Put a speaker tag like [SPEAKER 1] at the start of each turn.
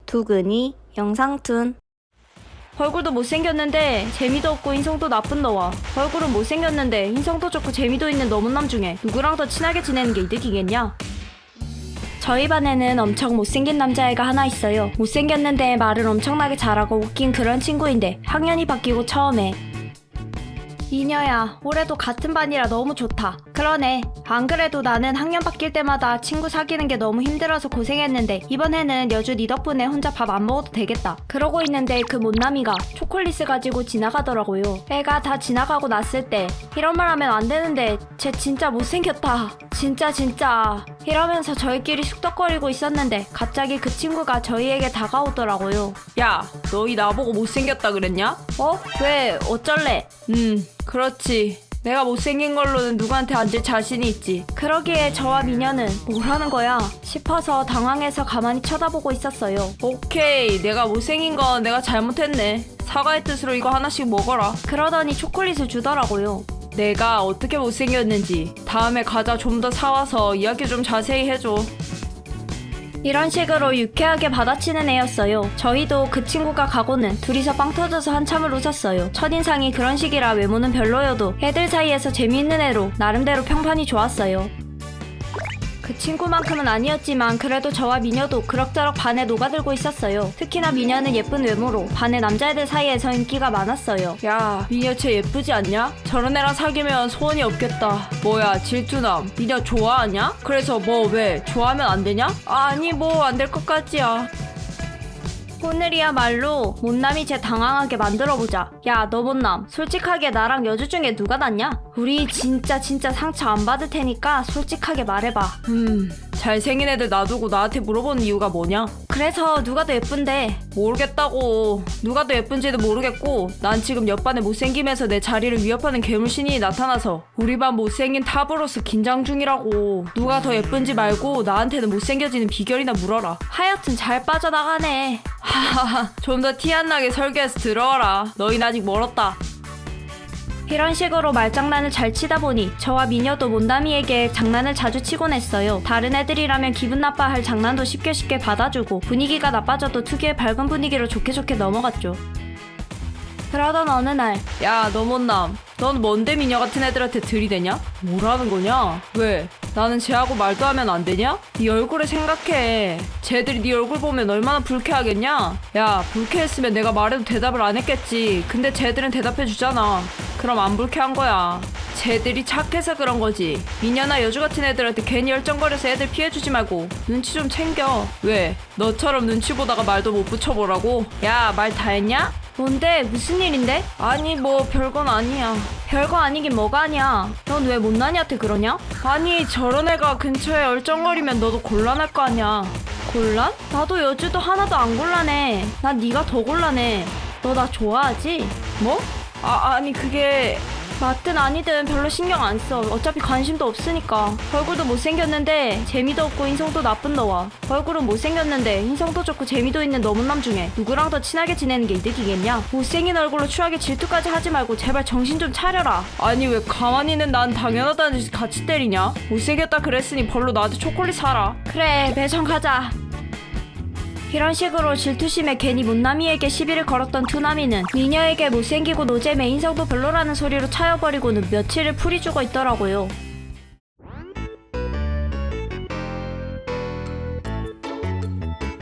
[SPEAKER 1] 두근이 영상툰. 얼굴도 못생겼는데 재미도 없고 인성도 나쁜 너와 얼굴은 못생겼는데 인성도 좋고 재미도 있는 너무남 중에 누구랑 더 친하게 지내는 게 이득이겠냐? 저희 반에는 엄청 못생긴 남자애가 하나 있어요. 못생겼는데 말을 엄청나게 잘하고 웃긴 그런 친구인데 학년이 바뀌고 처음에 이녀야, 올해도 같은 반이라 너무 좋다. 그러네. 안 그래도 나는 학년 바뀔 때마다 친구 사귀는 게 너무 힘들어서 고생했는데 이번 해는 여주 네 덕분에 혼자 밥 안 먹어도 되겠다. 그러고 있는데 그 못남이가 초콜릿을 가지고 지나가더라고요. 애가 다 지나가고 났을 때 이런 말 하면 안 되는데 쟤 진짜 못생겼다. 진짜 이러면서 저희끼리 쑥덕거리고 있었는데 갑자기 그 친구가 저희에게 다가오더라고요.
[SPEAKER 2] 야, 너희 나보고 못생겼다 그랬냐?
[SPEAKER 1] 어? 왜? 어쩔래?
[SPEAKER 2] 그렇지. 내가 못생긴 걸로는 누구한테 앉을 자신이 있지.
[SPEAKER 1] 그러기에 저와 미녀는 뭐라는 거야 싶어서 당황해서 가만히 쳐다보고 있었어요.
[SPEAKER 2] 오케이, 내가 못생긴 건 내가 잘못했네. 사과의 뜻으로 이거 하나씩 먹어라.
[SPEAKER 1] 그러더니 초콜릿을 주더라고요.
[SPEAKER 2] 내가 어떻게 못생겼는지 다음에 과자 좀 더 사와서 이야기 좀 자세히 해줘.
[SPEAKER 1] 이런 식으로 유쾌하게 받아치는 애였어요. 저희도 그 친구가 가고는 둘이서 빵 터져서 한참을 웃었어요. 첫인상이 그런 식이라 외모는 별로여도 애들 사이에서 재미있는 애로 나름대로 평판이 좋았어요. 그 친구만큼은 아니었지만 그래도 저와 미녀도 그럭저럭 반에 녹아들고 있었어요. 특히나 미녀는 예쁜 외모로 반의 남자애들 사이에서 인기가 많았어요.
[SPEAKER 2] 야, 미녀 쟤 예쁘지 않냐? 저런 애랑 사귀면 소원이 없겠다. 뭐야, 질투남. 미녀 좋아하냐? 그래서 뭐 왜? 좋아하면 안 되냐? 아니 뭐 안 될 것 같지야.
[SPEAKER 1] 오늘이야말로 못남이 쟤 당황하게 만들어보자. 야, 너 못남. 솔직하게 나랑 여주 중에 누가 낫냐? 우리 진짜 상처 안 받을 테니까 솔직하게 말해봐.
[SPEAKER 2] 잘생긴 애들 놔두고 나한테 물어보는 이유가 뭐냐?
[SPEAKER 1] 그래서 누가 더 예쁜데?
[SPEAKER 2] 모르겠다고. 누가 더 예쁜지도 모르겠고 난 지금 옆반에 못생김에서 내 자리를 위협하는 괴물신이 나타나서 우리 반 못생긴 탑으로서 긴장 중이라고. 누가 더 예쁜지 말고 나한테는 못생겨지는 비결이나 물어라.
[SPEAKER 1] 하여튼 잘 빠져나가네.
[SPEAKER 2] 하하하, 좀 더 티 안 나게 설계해서 들어와라. 너희는 아직 멀었다.
[SPEAKER 1] 이런 식으로 말장난을 잘 치다 보니 저와 미녀도 못남이에게 장난을 자주 치곤 했어요. 다른 애들이라면 기분 나빠할 장난도 쉽게 받아주고 분위기가 나빠져도 특유의 밝은 분위기로 좋게 넘어갔죠. 그러던 어느 날,
[SPEAKER 2] 야, 너 못남. 넌 뭔데 미녀 같은 애들한테 들이대냐? 뭐라는 거냐? 왜? 나는 쟤하고 말도 하면 안 되냐? 네 얼굴을 생각해. 쟤들이 네 얼굴 보면 얼마나 불쾌하겠냐? 야, 불쾌했으면 내가 말해도 대답을 안 했겠지. 근데 쟤들은 대답해 주잖아. 그럼 안 불쾌한 거야. 쟤들이 착해서 그런 거지. 미녀나 여주 같은 애들한테 괜히 열정거려서 애들 피해주지 말고 눈치 좀 챙겨. 왜? 너처럼 눈치 보다가 말도 못 붙여보라고? 야, 말 다 했냐?
[SPEAKER 1] 뭔데? 무슨 일인데?
[SPEAKER 2] 아니 뭐 별건 아니야.
[SPEAKER 1] 별거 아니긴 뭐가 아니야. 넌 왜 못난이한테 그러냐?
[SPEAKER 2] 아니 저런 애가 근처에 얼쩡거리면 너도 곤란할 거 아니야.
[SPEAKER 1] 곤란? 나도 여주도 하나도 안 곤란해. 난 네가 더 곤란해. 너 나 좋아하지?
[SPEAKER 2] 뭐? 아니 그게...
[SPEAKER 1] 맞든 아니든 별로 신경 안 써. 어차피 관심도 없으니까. 얼굴도 못생겼는데 재미도 없고 인성도 나쁜 너와 얼굴은 못생겼는데 인성도 좋고 재미도 있는 너무남 중에 누구랑 더 친하게 지내는 게 이득이겠냐? 못생긴 얼굴로 추하게 질투까지 하지 말고 제발 정신 좀 차려라.
[SPEAKER 2] 아니 왜 가만히 있는 난 당연하다는 듯이 같이 때리냐? 못생겼다 그랬으니 벌로 나한테 초콜릿 사라.
[SPEAKER 1] 그래, 매점 가자. 이런 식으로 질투심에 괜히 못남이에게 시비를 걸었던 투남이는 미녀에게 못생기고 노잼에 인성도 별로라는 소리로 차여버리고는 며칠을 풀이 죽어 있더라고요.